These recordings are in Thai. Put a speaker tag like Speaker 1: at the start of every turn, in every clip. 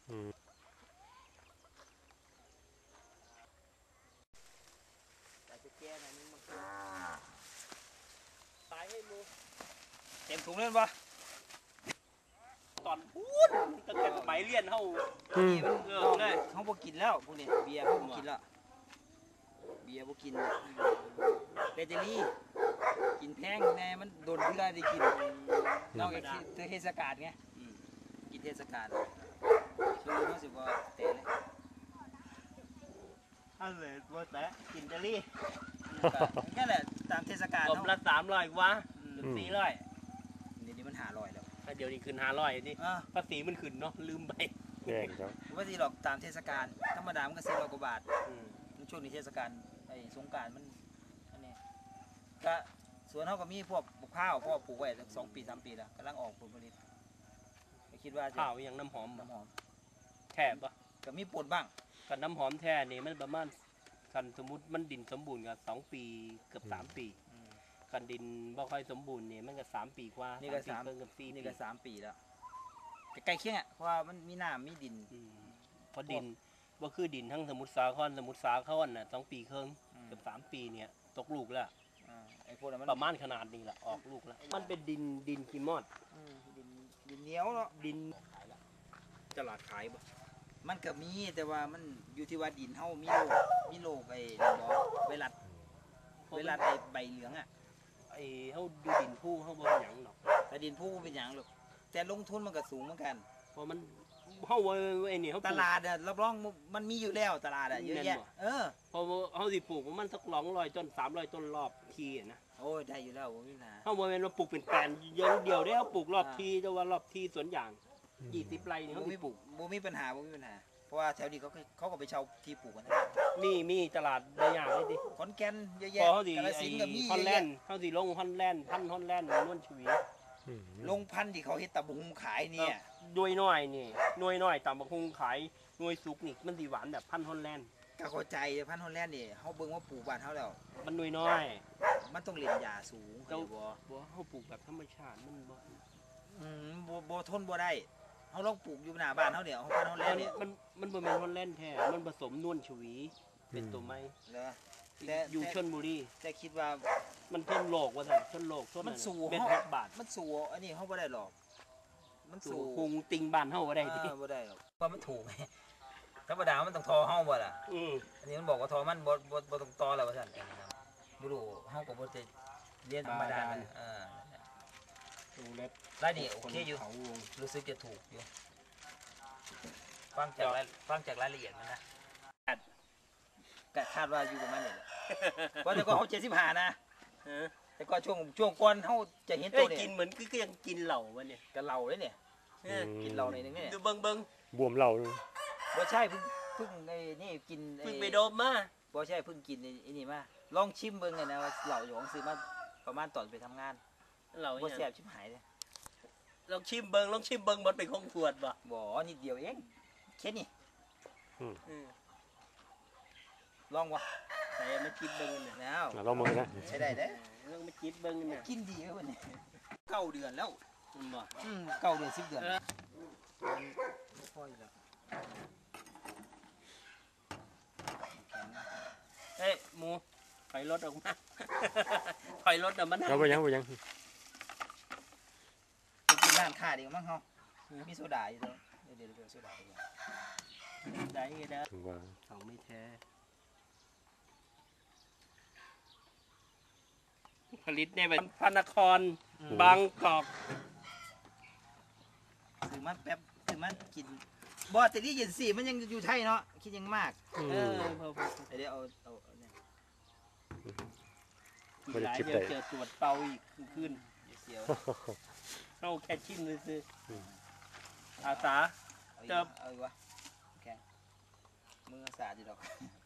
Speaker 1: ตายให้มู
Speaker 2: เต็มถุงเล่นปะ
Speaker 1: ตอนพูดตั้งแต่สมัยเรียนเขา
Speaker 2: เลยเขาบอกกินแล้วพวกนี้เบียร์เขาบอกกินแล้วเบียร์บอกกินเบเจอรี่กินแพงแน่มันโดนเพื่อได้กินนอกจากเทศกาลไงกินเทศกาลช่วงนี้รู้สึกว่าเตะเลย
Speaker 1: เลยว่าแต่กินเจลลี่
Speaker 2: แค่แหละตามเทศกาล
Speaker 1: ผมละ300กว่า400
Speaker 2: เดี๋ยวนี้มัน500แล้ว
Speaker 1: เดี๋ยวนี้ขึ้น500นี่ภาษีมันขึ้นเนาะลืมไป
Speaker 3: แพงครับ
Speaker 2: ไม่ใช่หรอกตามเทศกาลธรรมดามันก็400 กว่าบาทช่วงนี้เทศกาลไอ้สงกรานต์มันอันนี้ก็สวนเขาก็มีพวกปลูกข้าวพวกปลูกไว้2 ปี 3 ปีแล้วกำลังออกผลผลิตคิดว่า
Speaker 1: ข้าวอย่างน้ำหอมแทบปะ
Speaker 2: ก็มีปนบ้าง
Speaker 1: กับน้ำหอมแท้นี่มันประมาณคันสมมุติมันดินสมบูรณ์กับ2 ปีเกือบ3 ปีคันดินบ่ค่อยสมบูรณ์นี่มันก็3 ปีกว่า
Speaker 2: นี่ก็3เกือบ4นี่ก็3 ปีแล้วใกล้เคียงอ่ะเพราะว่ามันมีน้ำมีดิน
Speaker 1: เพราะดินว่าคือดินทั้งสมุทรสาครน่ะ2 ปีครึ่งเกือบ3 ปีเนี่ยตกลูกแล้ว
Speaker 2: ไอ้พวกนั้น
Speaker 1: ประมาณขนาดนี้แหละออกลูกแล้วมันเป็นดินขี้มอด
Speaker 2: ดินเหนียวเนาะ
Speaker 1: ดินตลาดขายบ่
Speaker 2: มันก็มีแต่ว่ามันอยู่ที่ว่าดินเฮามีโลไปบ่ไวรัสไอ้ใบเหลืองอ่ะ
Speaker 1: ไอ้เฮาดูดินผู้เฮาบ่เป็นหยังหรอก
Speaker 2: แต่ดินผู้เป็นหยังหรอกแต่ลงทุนมันก็สูงเหมือนกัน
Speaker 1: เพราะมันเฮาไอ้นี่เฮา
Speaker 2: ตลาดอะรับรองมันมีอยู่แล้วตลาดอะเยอะแยะ
Speaker 1: พอเฮาสิปลูกมันสัก200 ต้น300 ต้นรอบทีนะ
Speaker 2: โอ้ยได้อยู่แล้วบ่มีปัญหา
Speaker 1: เฮาบ่แม่นว่าปลูกเป็นแปลนเดียวได้เฮาปลูกรอบทีแต่ว่ารอบทีสวนยาง20 ไร่นี่เฮา
Speaker 2: บ่มีปัญหาเพราะว่าแถวนี้เขาก็ไปเช่าที่ปลูกกัน
Speaker 1: นี่มีตลาดได้อย่างเลยดิ
Speaker 2: ขอนแก่นเยอะแยะ
Speaker 1: กาฬสินธุ์ก็มีฮอลแลนด์เฮาสิลงฮอลแลนด์พันฮอลแลนด์นวลชวี
Speaker 2: ลงพันที่เขาเฮ็ดตะบุงขายเนี่ย
Speaker 1: ด้วยน้อยนี่หน่วยน้อยตำบักหุ่งขายหน่วยสุกนี่มันสิหวานแบบพันฮอลแลนด์
Speaker 2: ก็เข้าใจพันฮอลแลนด์นี่เฮาเบิ่งว่าปลูกบ้านเฮาแล้ว
Speaker 1: มันหน่วยน้อย
Speaker 2: มันต้องเล่นยาสูง
Speaker 1: บ่เฮาปลูกแบบธรรมชาติมัน
Speaker 2: บ่ทนบ่ได้เฮาลองปลูกอยู่หน้าบ้านเฮาเนี่ยพันฮอลแลนด์เนี่ย
Speaker 1: มันบ่แม่นฮอลแลนด์แท้มันผสมนวลชวีเป็นตัวไม้
Speaker 2: เหรอ
Speaker 1: อยู่ชลบุรี
Speaker 2: แต่คิดว่า
Speaker 1: มันทนโลกว่าซั่นทนโลกทน
Speaker 2: มันสู่
Speaker 1: เม็ดบาท
Speaker 2: มันสู่อันนี้เฮาบ่ได้หรอก
Speaker 1: มันสู่หุงติงบ้านเฮาบ่ได้
Speaker 2: ดิบ่ได้หรอกเพราะมันถูกธรรมดามันต้องทอเฮาบ่ล่ะอันนี้มันบอกว่าทอมันบ่ต้องตอแล้วว่าซั่นบ่รู้เฮาก็บ่ได้เรียนธรรมดา
Speaker 1: ดูเล็บ
Speaker 2: ได้นี่โอเคอยู่รู้สึกจะถูกอยู่ฟังจากรายละเอียดมันนะคาดว่าอยู่ประมาณนี้เพราะแต่ก็เขา75นะแต่ก็ช่วงก่อนเขาจะเห็นตัวเนี่ย
Speaker 1: กินเหมือนก็ยังกินเหล่าวะเนี่ย
Speaker 2: กับเหล่าเลยเนี่ยกินเหล่าในนึงเนี่ย
Speaker 1: ดูเบิ้ง
Speaker 3: บวมเหล่า
Speaker 2: บ่ใช่เพิ่งไอ้นี่กิน
Speaker 1: เพิ่งไปโดมมา
Speaker 2: บ่ใช่เพิ่งกินไอ้นี่มาลองชิมเบิ้งกันนะว่าเหล่าหยองซื้อมาประมาณตอนไปทำงาน
Speaker 1: เหล่า
Speaker 2: บ่แซ่บชิบหายเลย
Speaker 1: ลองชิมเบิ้งมันเป็นของขวด
Speaker 2: บ่นิดเดียวเองแค่นี้ลองวะ
Speaker 1: แต่ไม่คิดเบิ้งเนี่ย
Speaker 2: แล้ว
Speaker 3: ลองมึงนะ
Speaker 2: ใช้ได้เด้
Speaker 1: ลองไม่คิดเบิ้งเนี่ย
Speaker 2: กินดีเลยวันนี้9 เดือนแล้ว
Speaker 1: บ่
Speaker 2: 9 เดือน10 เดือนพ่อยแล้ว
Speaker 1: หมูถอยรถออกมาถอยรถเดี๋ยวมัน
Speaker 3: เราไปยัง
Speaker 2: กินร้านค้าดีมั้งเฮามีโซดาอยู่เดี๋ยวโซดา
Speaker 1: ได้เด้อของไม่แท้ผลิตในแบบพระนครบางกอก
Speaker 2: ซื้อมาแป๊บซื้อมากินบ่แต่ที่เย็นสิมันยังอยู่ไทยเนาะคิดยังมากเดี๋ยวเอาเนี่ย
Speaker 1: หลายเดี๋ยวเจอตรวจเตาอีกขึ้นเสียวเข้าแค่ชิ้นเลยสิอาสา
Speaker 2: เติมเอาอีกวะแข็งมืออาสาดีดอก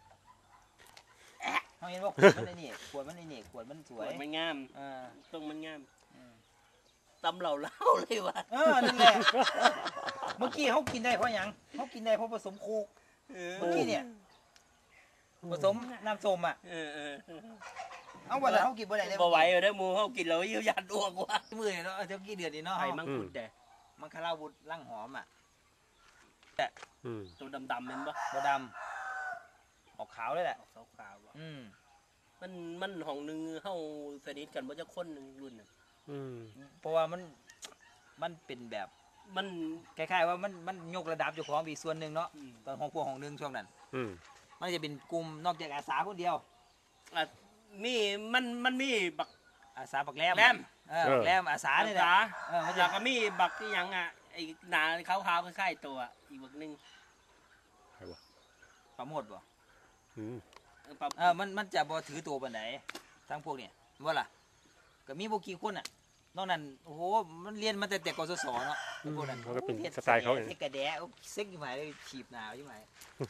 Speaker 2: เขาเห็นว่าขวดมันในนี่ขวดมันสวย
Speaker 1: มันงามต้องมันงามตำเหล่าเลยวะ
Speaker 2: นั่นแหละเมื่อกี้เขากินได้เพราะหยังเขากินได้เพราะผสมโคกเมื่อกี้เนี่ยผสมน้ำส้มเอาวันละเขากินบ่ได้เลย
Speaker 1: บ่ไหวเลยนะมูเขากินแล้วยิ่งยันอ้วกว่ะ
Speaker 2: มือเนาะเท่ากี่เดือนนี่เนาะ
Speaker 1: ไอ้มังคุดแต่
Speaker 2: มังคลาวุธร่างหอม
Speaker 3: อืม
Speaker 1: ตัวดำๆเห็นปะ
Speaker 2: บ่ดำออกขาวเลยแหละ
Speaker 1: ออกขาวๆอะ
Speaker 2: อืม
Speaker 1: มันห้องหนึงเฮาสนิทกันบ่จะคนหนึงรุ่นน่ะ
Speaker 3: อืม
Speaker 2: เพราะว่ามันเป็นแบบ
Speaker 1: มัน
Speaker 2: คล้ายๆว่ามันยกระดับเจ้าของอีกส่วนหนึ่งเนาะ
Speaker 1: อืม
Speaker 2: ตอนของพวกของหนึ่งช่วงนั้น
Speaker 3: อืม
Speaker 2: มันจะเป็นกลุ่มนอกจากอาสาคนเดียว
Speaker 1: อ่ะมีมันมีบัก
Speaker 2: อาสาปักแรม
Speaker 1: แรม
Speaker 2: ปักแรมอาสาเนี่ยแหละ
Speaker 1: อาสา
Speaker 2: มันจะ
Speaker 1: แล้วก็มีบักที่หยังอ่ะไอ้หนาขาวๆคล้ายๆตัวอีกบักหนึง
Speaker 3: ใครวะ
Speaker 2: ประโมทบ่
Speaker 3: อืม
Speaker 1: ปรับ
Speaker 2: มันจะบ่ถือตัวปานไหนทั้งพวกเนี่ยว่าล่ะก็มีบ่กี่คนอ่ะนอกนั้นโอ้โหมันเรียนมาแต่กศศเนาะไอ้พวกนั้น
Speaker 3: มันก็เป็น
Speaker 2: ฮ็ด
Speaker 3: สไตล์เขาเอง
Speaker 2: เฮ็ดกระแดะเซ็กอยู่หมายเลยฉีบหนาวอยู่หมาย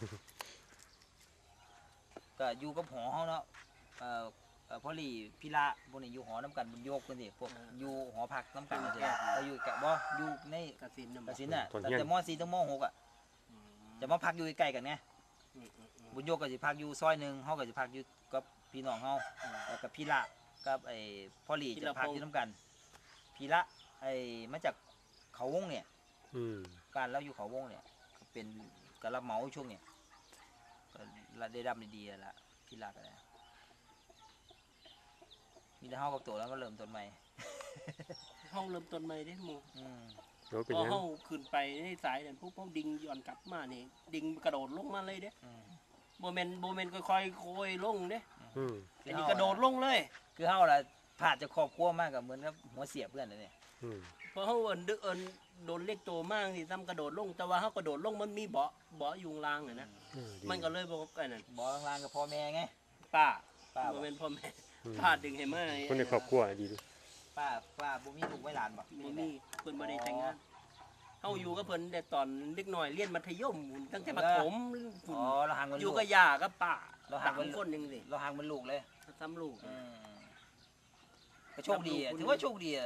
Speaker 2: ก็อยู่กับหอเฮาเนาะพอลี่พี่ละพวกนี้อยู่หอน้ำกันบนโยกกันสิพวกอยู่หอพักน้ำกันสิเราอยู่กับบ่อยู่ใน
Speaker 1: กสินน่ะ
Speaker 2: กสินน่ะ
Speaker 3: ตอน
Speaker 2: ตั้ง
Speaker 3: เที่ยง
Speaker 2: แต่ม .4 ถึงม .6 อ่ะจะมาพักอยู่ใกล้ๆกันไง
Speaker 1: อืม
Speaker 2: บุญโยกก็สิพักอยู่ซอยหนึงเฮาก็สิพักอยู่กับพี่น้องเฮาแล้วก็พี่ละกับไอ้พ่อหลีจะพักอยู่น้ำกันพี่ละไอ้มาจากเขาวงเนี่ย
Speaker 3: อืม
Speaker 2: บ้านเราอยู่เขาวงเนี่ยก็เป็นกระเหมาช่วงเนี่ยก็ได้ดำดีๆละพี่ละก็ได้มีแต่เฮากับตัวแล้วก็เริ่มต้นใหม่
Speaker 1: ห้องเริ่มต้นใหม่ได้หมู่
Speaker 2: อืม
Speaker 3: เดี๋ยวเป็น
Speaker 1: พอ
Speaker 3: ยัง
Speaker 1: เฮาขึ้นไปในสายนั่นปุ๊บเฮาดิ่งย้อนกลับมานี่ดิ่งกระโดดลงมาเลยเด้
Speaker 2: อืม
Speaker 1: บ่แม่นค่อยๆโคยลงเด้
Speaker 3: อืม
Speaker 1: อันนี้กระโดดลงเลย
Speaker 2: คือเฮาล่ะผ่านจากครอบครัวมากกับเหมือนกับหัวเสียเพื่อนเลยเนี่ย
Speaker 3: อืม
Speaker 1: เพราะเฮาเอิ้นโดนเล็กโตมากสิซ้ำกระโดดลงแต่ว่าเฮากระโดดลงมันมีเบาะอยู่ข้างล่างน่ะนะ
Speaker 3: อืดี
Speaker 1: มันก็เลยบ่ไอ้นั่น
Speaker 2: บอกลางๆกับพ่อแม่ไง
Speaker 1: ป้า
Speaker 2: ป้า
Speaker 1: บ่แม่นพ่อแม่
Speaker 3: อืม
Speaker 1: ป้าดึงให้มา
Speaker 3: คนในครอบครัวดีดู
Speaker 2: ป้าบ่มีลูกไว้หลานบ่
Speaker 1: บ่มีเพิ่นบ่ได้แต่งงานเฮาอยู่กับเพิ่นแต่ตอนเด็กน้อยเรียนมัธยมตั้งแต่ประถม
Speaker 2: อ๋อเราห่างมัน
Speaker 1: อ
Speaker 2: ลู
Speaker 1: ยู่
Speaker 2: ก
Speaker 1: กับย่ากับป้า
Speaker 2: เราห่างกั
Speaker 1: สาน มคนนึงสิ
Speaker 2: เราห่างมันลูกเลย
Speaker 1: ซ้ำลูก
Speaker 2: ก็โชคดีอะถือว่าโชคดีอะ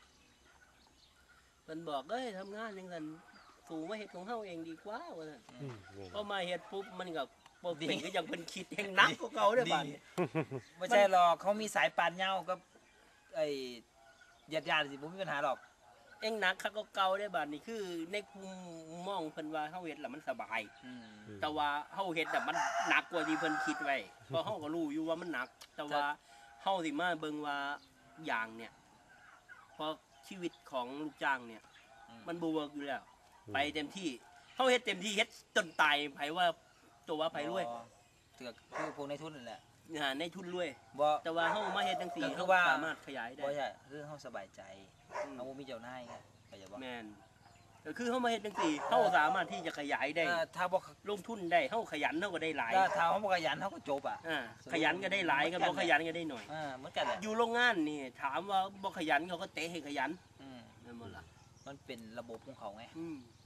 Speaker 1: เพิ่นบอกเอ้ยทำงานจังซั่นสู่มาเฮ็ดของเฮาเองดีกว่าว่าซั่น
Speaker 3: อืมเนี่ย
Speaker 1: พอมาเฮ็ดปุ๊บมันก็บ่เป็นก็ยังเพิ่นคิดแฮงหนักกว่าเก่าเด้อบัดนี้
Speaker 2: ไม่ใช่หรอกเขามีสายปานเหย้ากับไอ้ญาติๆสิบ่มีปัญหาหรอก
Speaker 1: เองหนักคักกว่าเก่าเด้อบัดนี้คือในมุมมองเพิ่นว่าเฮาเฮ็ดแล้วมันสบาย แต่ว่าเฮาเฮ็ดน่ะมันหนักกว่าที่เพิ่นคิดไว้เพราะเฮาก็รู้อยู่ว่ามันหนัก แต่ว่าเฮาสิมาเบิ่งว่าอย่างเนี่ยเพราะชีวิตของลูกจ้างเนี่ย มันบ่เวิร์กอยู่แล้ว ไปเต็มที่เฮาเฮ็ดเต็มที่เฮ็ดจนตายไผว่าตัวว่าไผรวย
Speaker 2: เถือกคือพวกในทุนนั่นแหละ
Speaker 1: ในทุนรวย
Speaker 2: บ่
Speaker 1: แต่ว่าเฮามาเฮ็ดจังซี่
Speaker 2: ก็คื
Speaker 1: เฮา
Speaker 2: อว่า
Speaker 1: สามารถขยายได้
Speaker 2: บ่ใช่คือเฮาสบายใจ
Speaker 1: อืม
Speaker 2: เฮาบ่มีเจ้านายไงเข้าใจบ่
Speaker 1: แม่นก็คือเฮามาเฮ็ดจังซี่เฮาสามารถที่จะขยายได้
Speaker 2: ถ้าบ่
Speaker 1: ลงทุนได้เฮาขยันเฮาก็ได้หลาย
Speaker 2: ถ้าเฮาบ่ขยันเฮาก็จบอ่ะ
Speaker 1: ขยันก็ได้หลายก็บ่ขยันก็ได้หน่อย
Speaker 2: เหมือนกันแหละ
Speaker 1: อยู่โรงงานนี่ถามว่าบ่ขยันเขาก็เตะให้ขยัน
Speaker 2: อืม
Speaker 1: นั่นหมดล่ะ
Speaker 2: มันเป็นระบบของเขาไง
Speaker 1: อืม